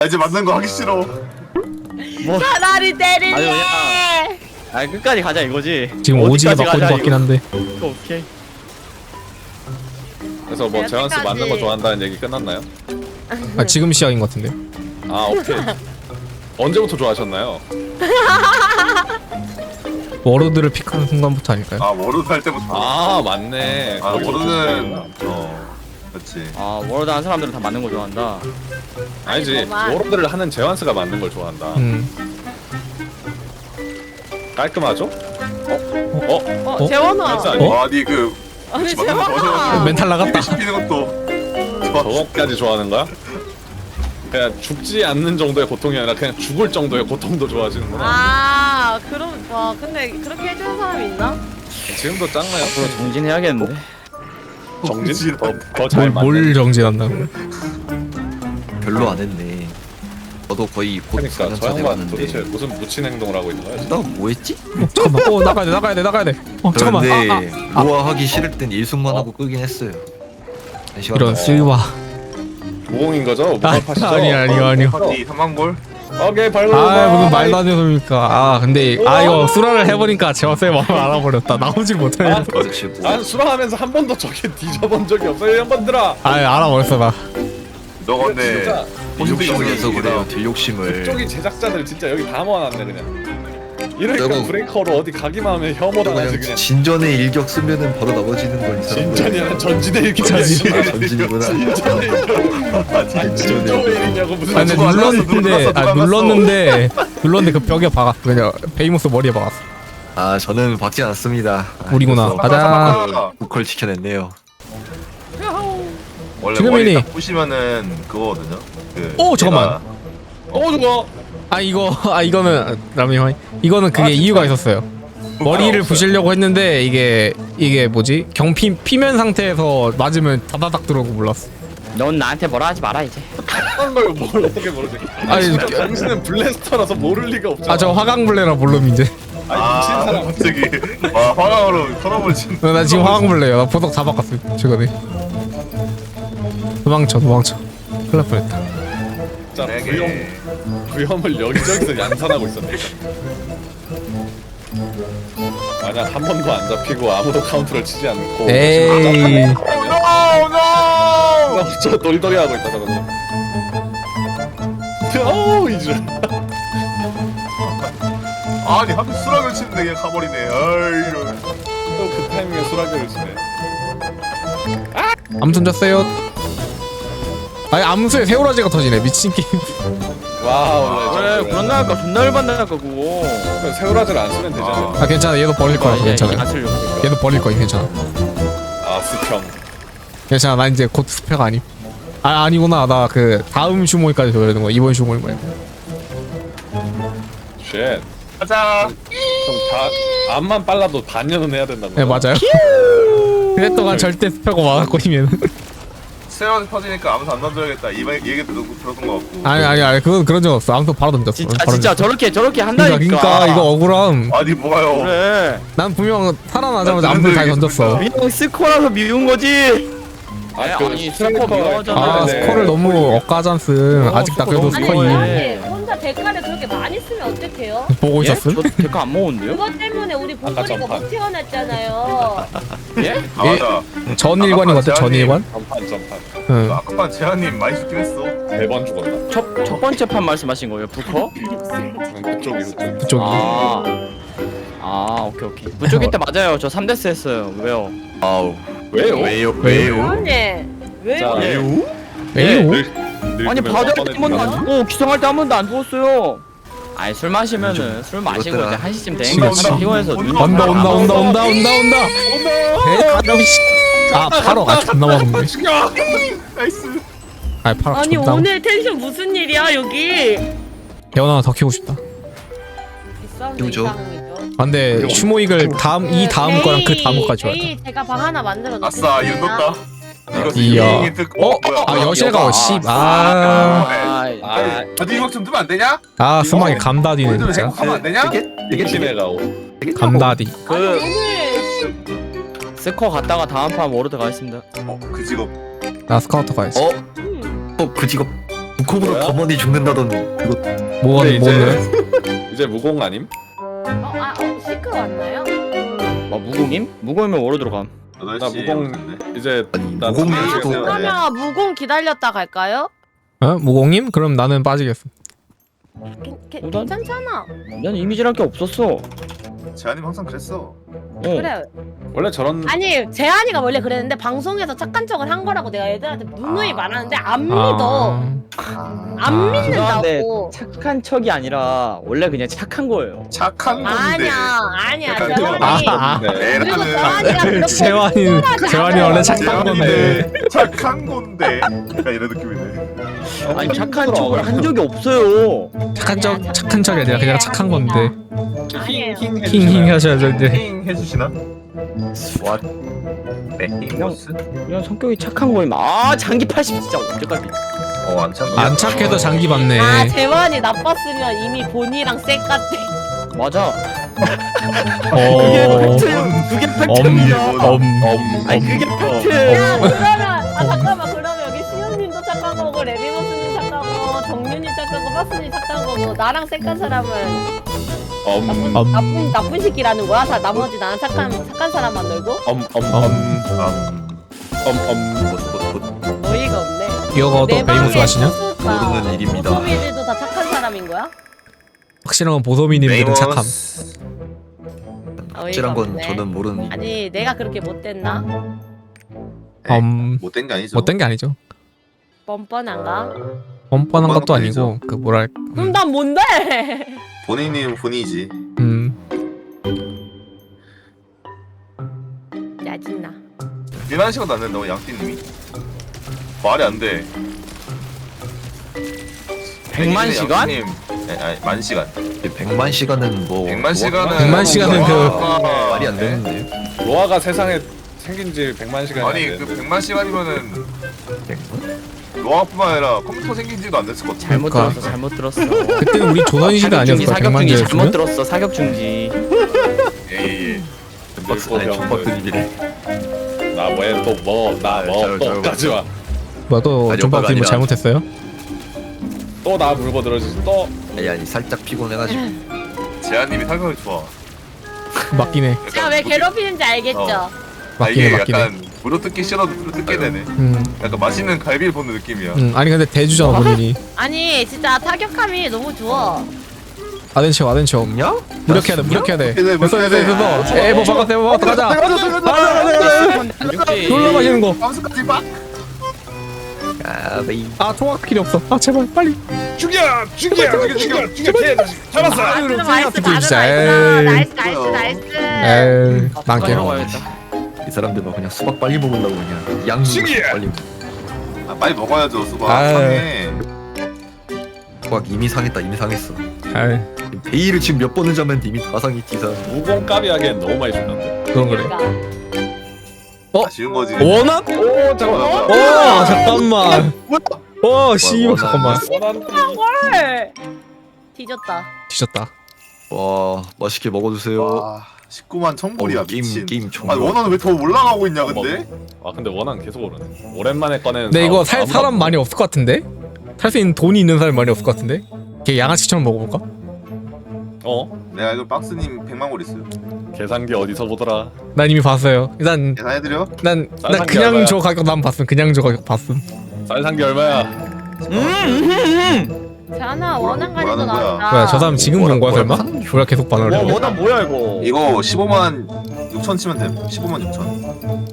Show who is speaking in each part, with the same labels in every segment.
Speaker 1: 이제 맞는 거 하기 싫어.
Speaker 2: 차라리 때릴래.
Speaker 3: 아니 그냥 아 끝까지 가자 이거지.
Speaker 4: 지금 오지게
Speaker 3: 어디까지
Speaker 4: 맞고 있는
Speaker 3: 가자,
Speaker 4: 것 같긴 한데.
Speaker 3: 오케이.
Speaker 5: 그래서 뭐 재환씨 맞는 거 좋아한다는 얘기 끝났나요?
Speaker 4: 아, 지금 시작인 것 같은데.
Speaker 5: 아 오케이. 언제부터 좋아하셨나요?
Speaker 4: 워로드를 픽하는 순간부터 아닐까요?
Speaker 1: 아 워로드 할 때부터.
Speaker 5: 아 맞네.
Speaker 1: 아
Speaker 5: 거기
Speaker 1: 워로드는
Speaker 5: 좋구나.
Speaker 1: 그렇지.
Speaker 3: 아 워로드 한 사람들은 다 맞는 거 좋아한다.
Speaker 5: 아니지.
Speaker 2: 아니구만.
Speaker 5: 워로드를 하는 재환스가 맞는 걸 좋아한다. 깔끔하죠?
Speaker 2: 재원아.
Speaker 5: 재환스 아니?
Speaker 1: 아니 그
Speaker 2: 아니
Speaker 1: 맞는 거
Speaker 2: 재원아.
Speaker 4: 멘탈 나갔다.
Speaker 1: 시키는 것도.
Speaker 5: 저것까지 좋아하는 거야? 그냥 죽지 않는 정도의 고통이 아니라 그냥 죽을 정도의 고통도 좋아하시는구나.
Speaker 2: 아 그럼 와 근데 그렇게 해주는 사람이 있나?
Speaker 5: 지금도 짱나요?
Speaker 3: 앞으로 정진해야겠는데.
Speaker 5: 정진? 더잘 맞네.
Speaker 4: 뭘 정진한다고?
Speaker 6: 별로 안 했네. 저도 거의 곧
Speaker 5: 그러니까
Speaker 6: 4년
Speaker 5: 저
Speaker 6: 차
Speaker 5: 양반 도대체
Speaker 6: 돼가는데.
Speaker 5: 무슨 묻힌 행동을 하고 있는 거야?
Speaker 6: 나 뭐했지?
Speaker 4: 잠깐만. 나가야 돼. 잠깐만.
Speaker 6: 그런데 노화하기 싫을 땐 일승만 하고 끄긴 했어요. 한 시간
Speaker 4: 이런
Speaker 6: 동안.
Speaker 4: 쓰이와.
Speaker 5: 무공인 거죠? 무공파시죠?
Speaker 4: 아니요.
Speaker 1: 파티 3만골.
Speaker 5: 오케이 발로.
Speaker 4: 무슨 말도 안 되는 소리입니까? 근데 이거 수라를 해보니까 제가 쌤 마음을 알아버렸다. 나오질 못하네.
Speaker 6: 그렇지 뭐.
Speaker 5: 난 수라하면서 한 번도 저게 뒤져본 적이 없어요. 형번들아.
Speaker 4: 알아버렸어 나.
Speaker 1: 너 근데
Speaker 5: 진짜
Speaker 6: 딜욕심을 해서 그래요. 딜욕심을.
Speaker 5: 그쪽이 제작자들 진짜 여기 다 모아놨네 그냥. 이러니까
Speaker 6: 저거-
Speaker 5: 브레이커로 어디 가기만 하면 혐오당하지
Speaker 6: 그냥
Speaker 5: 그냥.
Speaker 6: 진전의 일격 쓰면은 바로 넘어지는 걸 이 사람.
Speaker 5: 진전이 아니라 전진의 일격이야.
Speaker 6: 아, 전진이구나.
Speaker 5: 진전의 일격. 진전의 일이냐고 무슨.
Speaker 4: 근데 눌렀는데 그 벽에 박았어. 그냥 베이모스 머리에 박았어.
Speaker 6: 아 저는 박지 않았습니다.
Speaker 4: 우리구나. 가자.
Speaker 6: 보컬 지켜냈네요.
Speaker 1: 원래
Speaker 4: 지금이니.
Speaker 1: 머리 딱 부시면은 그거거든요. 그
Speaker 4: 잠깐만.
Speaker 5: 저거.
Speaker 4: 이거는 라미형. 이거는 그게 이유가 있었어요. 머리를 부시려고 했는데 이게 뭐지? 경피 피면 상태에서 맞으면 다다닥 들어오고 몰랐어.
Speaker 3: 넌 나한테 뭐라 하지 마라 이제.
Speaker 5: 한 걸 뭘 어떻게 모르지?
Speaker 4: 아니,
Speaker 5: 당신은 블래스터라서 모를 리가 없잖아.
Speaker 4: 저 화강블레라 몰름 이제.
Speaker 5: 미친 사람.
Speaker 1: 갑자기 와 화강으로 털어볼 진.
Speaker 4: 나 지금 화강블레야. 나 보석 다 바꿨어 최근에. 도망쳐. 큰일 날 뻔했다.
Speaker 5: 진짜 구형을 여기저기서 양산하고 있었네. 만약 한 번도 안 잡히고 아무도 카운트를 치지 않고.
Speaker 4: 에이.
Speaker 5: 저 돌돌이 하고 있다 저거. 어우 이줄.
Speaker 1: 아니 하필 수락을 치는데 그냥 가버리네. 아이 이런.
Speaker 5: 또그 타이밍에 수라기를 치네.
Speaker 4: 암순 졌어요. 암수에 새우라지가 터지네. 미친 게임.
Speaker 5: 와우.
Speaker 3: 그래 그런다니까 존나 열받는다니까 그거.
Speaker 5: 새우라지를 안 쓰면 되잖아.
Speaker 4: 괜찮아. 얘도 버릴 거야. 괜찮아.
Speaker 3: 맞추려고.
Speaker 4: 얘도 버릴 거야. 괜찮아.
Speaker 5: 스평.
Speaker 4: 괜찮아. 나 이제 곧 스페가 아님. 아니구나. 나 그 다음 슈모이까지 줘야 되는 거야. 이번 슈모이 말고.
Speaker 5: 쉣.
Speaker 1: 가자.
Speaker 5: 좀다 암만 빨라도 반년은 해야 된다고.
Speaker 4: 네 맞아요. 그랬동안 절대 스페고 막았고 이면.
Speaker 1: 세원 터지니까 아무도 안 던져야겠다. 이 얘기 들었던 거 같고.
Speaker 4: 아니 그건 그런 적 없어. 아무도 바로 던졌어.
Speaker 3: 진짜
Speaker 4: 바로
Speaker 3: 진짜
Speaker 4: 던졌어.
Speaker 3: 저렇게 한다니까.
Speaker 4: 그러니까 이거 억울함.
Speaker 1: 아니 뭐가요?
Speaker 3: 그래.
Speaker 4: 난 분명 살아나자마자 암수 다 던졌어.
Speaker 3: 그냥 스코라서 미운 거지. 아니 스코어 미워하잖아.
Speaker 4: 스코어를 너무 억까잖음. 아직 나 그래도
Speaker 2: 아니
Speaker 4: 스코어 2
Speaker 2: 아니 혼자 대가를 그렇게 많이 쓰면 어떡해요?
Speaker 4: 보고 있었음.
Speaker 3: 저 데카 안 먹었는데요?
Speaker 2: 그것 때문에 우리 봉돌이가
Speaker 5: 전판.
Speaker 2: 못 태어났잖아요.
Speaker 3: 예?
Speaker 1: 아 맞아.
Speaker 4: 전일관인 것 같아. 전일관?
Speaker 5: 전판.
Speaker 4: 응.
Speaker 1: 아까 반 재한님 많이 죽긴 했어.
Speaker 5: 4번 죽었나?
Speaker 3: 첫 번째 판 말씀하신 거예요? 부커?
Speaker 5: 그쪽이.
Speaker 4: 그쪽이.
Speaker 3: 오케이. 부쪽일 때 맞아요. 저 3데스 했어요. 왜요?
Speaker 6: 아우.
Speaker 5: 왜요?
Speaker 2: 언니 왜?
Speaker 5: 자,
Speaker 4: 왜요?
Speaker 3: 아니 바다에 한 번도 안 죽고 기성할 때 한 번도 안 죽었어요. 아니 술 마시면은 술 마시고 이제
Speaker 6: 그렇더라.
Speaker 3: 1시쯤
Speaker 4: 그치,
Speaker 3: 되니까
Speaker 4: 그치.
Speaker 3: 피곤해서 눈이
Speaker 4: 온다. 파로 존나 먹었네.
Speaker 1: 나이스.
Speaker 4: 파로
Speaker 2: 아니
Speaker 4: 존나.
Speaker 2: 오늘 텐션 무슨 일이야 여기?
Speaker 4: 대원 하나 더 키우고 싶다.
Speaker 6: 누구죠?
Speaker 4: 근데 슈모익을 이 다음 거랑 그 다음 거까지 와야 돼.
Speaker 2: 내일 제가 방 하나 만들어 놓을게요.
Speaker 1: 아싸 이거 떴다. 이거
Speaker 4: 이야.
Speaker 1: 이게 뭐야?
Speaker 4: 여실가 씨.
Speaker 1: 어디 이거 좀 뜨면 안 되냐?
Speaker 4: 스마이 감다디네
Speaker 1: 좀
Speaker 4: 진짜.
Speaker 1: 하면 안 되냐?
Speaker 6: 되게
Speaker 5: 팀에가오.
Speaker 4: 감다디.
Speaker 2: 오늘
Speaker 3: 스코어 갔다가 다음 판 워로드 가겠습니다.
Speaker 1: 그 직업.
Speaker 4: 나 스카우터 가야지.
Speaker 6: 그 직업 컵으로
Speaker 5: 뭐야?
Speaker 6: 검언이 죽는다던 그거.
Speaker 4: 뭐가
Speaker 5: 근데
Speaker 4: 뭐는?
Speaker 5: 이제 무공 아님?
Speaker 2: 시크 왔나요?
Speaker 3: 무공임? 무공이면 워로 들어감.
Speaker 5: 나
Speaker 1: 8시
Speaker 5: 무공 이제
Speaker 6: 아니,
Speaker 5: 나
Speaker 6: 무공이어서도-
Speaker 5: 무공
Speaker 2: 그러면 무공 기다렸다 갈까요?
Speaker 4: 어? 무공님? 그럼 나는 빠지겠어.
Speaker 2: 괜찮잖아.
Speaker 3: 난 이미지랄 게 없었어.
Speaker 1: 재한님 항상 그랬어.
Speaker 2: 그래.
Speaker 5: 원래 저런
Speaker 2: 아니 재한이가 원래 그랬는데 방송에서 착한 척을 한 거라고 내가 애들한테 누누이 말하는데 안 믿어. 안 믿는다고.
Speaker 3: 착한 척이 아니라 원래 그냥 착한 거예요.
Speaker 1: 착한 건데.
Speaker 2: 아니야
Speaker 1: 약간
Speaker 2: 재환이.
Speaker 5: 네.
Speaker 2: 그리고
Speaker 1: 애라는
Speaker 2: 재환이가 그렇게
Speaker 4: 재환이 원래 착한 건데.
Speaker 1: 착한 건데. 약간 이런 느낌이네.
Speaker 3: 아니 착한 척을 한 적이 없어요.
Speaker 4: 착한 척이 아니라 그냥 착한 건데.
Speaker 2: 아니에요.
Speaker 4: 킹 하셔야죠 이제.
Speaker 1: 킹 해주시나?
Speaker 6: 와,
Speaker 1: 네, 킹보스?
Speaker 3: 그냥 성격이 착한 거임. 아 장기 80 진짜 언제까지?
Speaker 1: 안 참.
Speaker 4: 안 착해도 장기 받네.
Speaker 2: 아 재환이 나빴으면 이미 본이랑 쌩 같대.
Speaker 3: 맞아.
Speaker 4: 어.
Speaker 3: 그게 팩트입니다.
Speaker 4: 엄.
Speaker 3: 아니 그게 팩트.
Speaker 2: 야 그러면 잠깐만 그러면 여기 시현님도 착한 거고 레미모스님 착한 거 정윤님 착한 거 마스님 착한 거고 나랑 쌩깐 사람은 나쁜 새끼라는 거야? 다 나머지 나는 착한 사람만 놀고? 어이가 없네.
Speaker 4: 이거도
Speaker 2: 내
Speaker 4: 베이모스
Speaker 2: 방에
Speaker 4: 하시냐?
Speaker 2: 수수가
Speaker 6: 모르는 일입니다.
Speaker 2: 소미들도 다 착한 사람인 거야?
Speaker 4: 확실한 건 보소미님들은 착함.
Speaker 2: 어이가
Speaker 6: 확실한 건
Speaker 2: 없네.
Speaker 6: 저는 모르는 일.
Speaker 2: 아니 내가 그렇게 못됐나?
Speaker 1: 못된 게 아니죠.
Speaker 4: 못된 게 아니죠.
Speaker 2: 뻔뻔한가?
Speaker 4: 뻔뻔한 것도
Speaker 1: 아니죠.
Speaker 4: 아니고 그 뭐랄까.
Speaker 2: 그럼 난 뭔데?
Speaker 1: 본인이면 본이지.
Speaker 2: 짜증나.
Speaker 1: 1만 시간 났는데 양띠님이 말이 안 돼.
Speaker 3: 100만 시간?
Speaker 1: 양띠님, 아니 만 시간.
Speaker 6: 100만 시간은 뭐
Speaker 1: 100만 시간은
Speaker 4: 100만 시간은 그-
Speaker 6: 말이 안 되는데.
Speaker 5: 로아가 세상에 생긴 지 100만 시간이
Speaker 1: 아니
Speaker 5: 안
Speaker 1: 그
Speaker 5: 됐는데
Speaker 1: 100만 시간이면은
Speaker 6: 100만?
Speaker 1: 로아뿐만 아니라 컴퓨터 생긴 지도 안 됐을 것 같아.
Speaker 3: 잘못 들었어.
Speaker 4: 그때는 우리 조선시대 아니었어. 100만
Speaker 3: 사격중지 잘못
Speaker 4: 개였으면?
Speaker 3: 들었어. 사격중지.
Speaker 1: 예예.
Speaker 6: 박스 안에 족박근이래.
Speaker 5: 나 뭐해 또뭐나뭐또까지 와.
Speaker 4: 뭐야 또
Speaker 6: 아니,
Speaker 4: 존박님 뭐
Speaker 6: 아니라.
Speaker 4: 잘못했어요?
Speaker 5: 또 나 물고 늘어지지 또
Speaker 6: 아니 살짝 피곤해가지고.
Speaker 1: 재한님이 설명이 좋아.
Speaker 4: 맞긴 해.
Speaker 2: 제가 왜 괴롭히는지 알겠죠?
Speaker 1: 아,
Speaker 4: 맞긴 해
Speaker 1: 이게
Speaker 4: 맞긴 해.
Speaker 1: 약간 무료 뜯기 싫어도 무료 뜯게 되네. 약간 맛있는 갈비를 보는 느낌이야.
Speaker 4: 아니 근데 대주잖아 본인이.
Speaker 2: 아니 진짜 타격감이 너무 좋아.
Speaker 4: 아덴치오
Speaker 6: 없냐?
Speaker 4: 무력해야 돼 무력해야 돼.
Speaker 1: 네,
Speaker 4: 됐어 됐어. 에뭐 바꿨어 뭐 바꿨어 가자. 놀러 가시는 거.
Speaker 1: 밤수까지 막.
Speaker 6: 아, 베이.
Speaker 4: 아 총알 필요 없어. 아 제발 빨리.
Speaker 5: 죽여 잡았어.
Speaker 2: 아,
Speaker 4: 아유,
Speaker 2: 나이스
Speaker 4: 진짜.
Speaker 2: 나이스
Speaker 4: 에이.
Speaker 2: 나이스.
Speaker 4: 에이 망게.
Speaker 6: 이 사람들은 그냥 수박 빨리 먹으려고 그냥 양념
Speaker 5: 죽이야!
Speaker 6: 빨리.
Speaker 1: 아, 빨리 먹어야죠 수박.
Speaker 4: 아유.
Speaker 1: 상해.
Speaker 6: 수박 이미 상했다 이미 상했어.
Speaker 4: 아이
Speaker 6: 베이를 지금 몇 번을 잡았는데 이미 다 상했지 이 사람.
Speaker 5: 무공 까비 하기엔 너무 많이 죽는데.
Speaker 4: 그건 그래.
Speaker 1: 아쉬운 거지.
Speaker 4: 원합?
Speaker 5: 오 잠깐만.
Speaker 4: 와 잠깐만. 와 씨발 잠깐만.
Speaker 2: 헐. 뒤졌다.
Speaker 4: 뒤졌다.
Speaker 6: 와 맛있게 먹어주세요.
Speaker 1: 와 19만 천불이야
Speaker 6: 게임
Speaker 1: 미친.
Speaker 6: 게임 총.
Speaker 1: 아니 원화는 왜 더 올라가고 있냐 근데?
Speaker 5: 아 근데 원한 계속 오르네. 오랜만에 꺼내는.
Speaker 4: 근데 이거 살
Speaker 5: 아무도
Speaker 4: 사람
Speaker 5: 없네.
Speaker 4: 많이 없을 것 같은데? 살 수 있는 돈이 있는 사람 많이 없을 것 같은데? 걔 양아치처럼 먹어볼까?
Speaker 1: 내가 이거 박스님 100만 골 있어요.
Speaker 5: 계산기 어디서 보더라.
Speaker 4: 난 이미 봤어요. 일단
Speaker 1: 계산해드려?
Speaker 4: 난
Speaker 5: 쌀
Speaker 4: 그냥
Speaker 5: 얼마야?
Speaker 4: 저 가격 난 봤음. 그냥 저 가격 봤음.
Speaker 5: 쌀산기 얼마야?
Speaker 2: 자나 원한 가지고
Speaker 1: 뭐라는 거야?
Speaker 2: 나왔다.
Speaker 4: 뭐야 저 사람 지금 본 거야 설마?
Speaker 6: 뭐야?
Speaker 4: 우리가 계속 반응을 해.
Speaker 3: 원한 뭐야 이거?
Speaker 1: 이거 15만 6천 치면 돼. 15만 6천.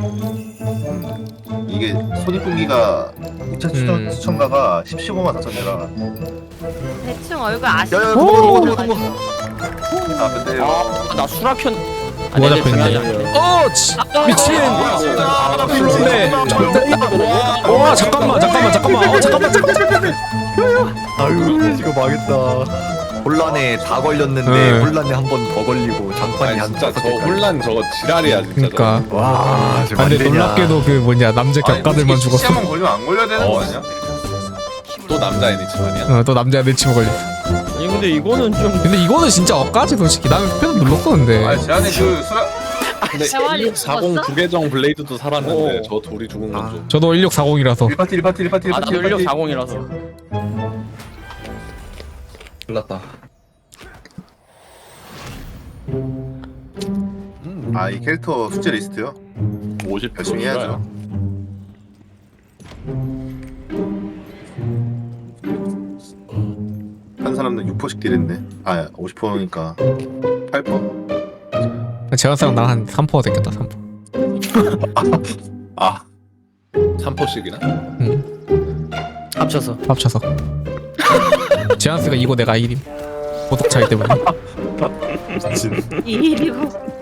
Speaker 1: 이게 손익분기가 2천 수천가가 15만 4천이라.
Speaker 2: 대충 얼굴 아시죠?
Speaker 6: 야야 도망가 도망가.
Speaker 1: 아 근데요.
Speaker 3: 나 수락현.
Speaker 4: 뭐가 잡혀있는데? 어! 미친! 그런데 와 잠깐만
Speaker 6: 아유 지금 망했다. 혼란에 다 걸렸는데
Speaker 4: 네.
Speaker 6: 혼란에 한 번 더 걸리고 장판이
Speaker 5: 아니
Speaker 6: 한
Speaker 5: 진짜 저
Speaker 6: 5개.
Speaker 5: 혼란 저거 지랄이야 진짜.
Speaker 4: 그니까
Speaker 6: 와 지금
Speaker 4: 아, 근데
Speaker 6: 안 되냐.
Speaker 4: 놀랍게도 그 뭐냐 남자 격가들만 죽었어.
Speaker 1: 시한번 걸리면 안 걸려야 되는 거 아니야?
Speaker 5: 또 남자애니 집안이야.
Speaker 4: 또 남자 내 치고 걸렸어.
Speaker 3: 아니 근데 이거는 좀
Speaker 4: 근데 이거는 진짜 억까지 솔직히 나는 패드 눌렀어 근데.
Speaker 1: 아니 제안에 그 수락
Speaker 5: 근데
Speaker 2: 대환이
Speaker 5: 1640
Speaker 2: 죽었어?
Speaker 5: 부계정 블레이드도 살았는데
Speaker 3: 오.
Speaker 5: 저 둘이 죽은 건 좀.
Speaker 4: 저도 1640이라서
Speaker 1: 1파티 1파티 1파티
Speaker 3: 아 나도
Speaker 1: 1파티
Speaker 3: 1640이라서.
Speaker 6: 몰랐다.
Speaker 1: 아이 캐릭터 숙제 리스트요?
Speaker 5: 50%
Speaker 1: 열심히 해야죠. 한 사람은 6%씩 딜했네. 아 50%니까 8%?
Speaker 4: 제가스랑 나랑 한 3% 됐겠다 3%.
Speaker 1: 아
Speaker 5: 3%씩이나?
Speaker 3: 합쳐서.
Speaker 4: 합쳐서. 제한스가 이거 내가 1임. 보석 차이 때문에.
Speaker 1: 미친.
Speaker 2: 이 일이고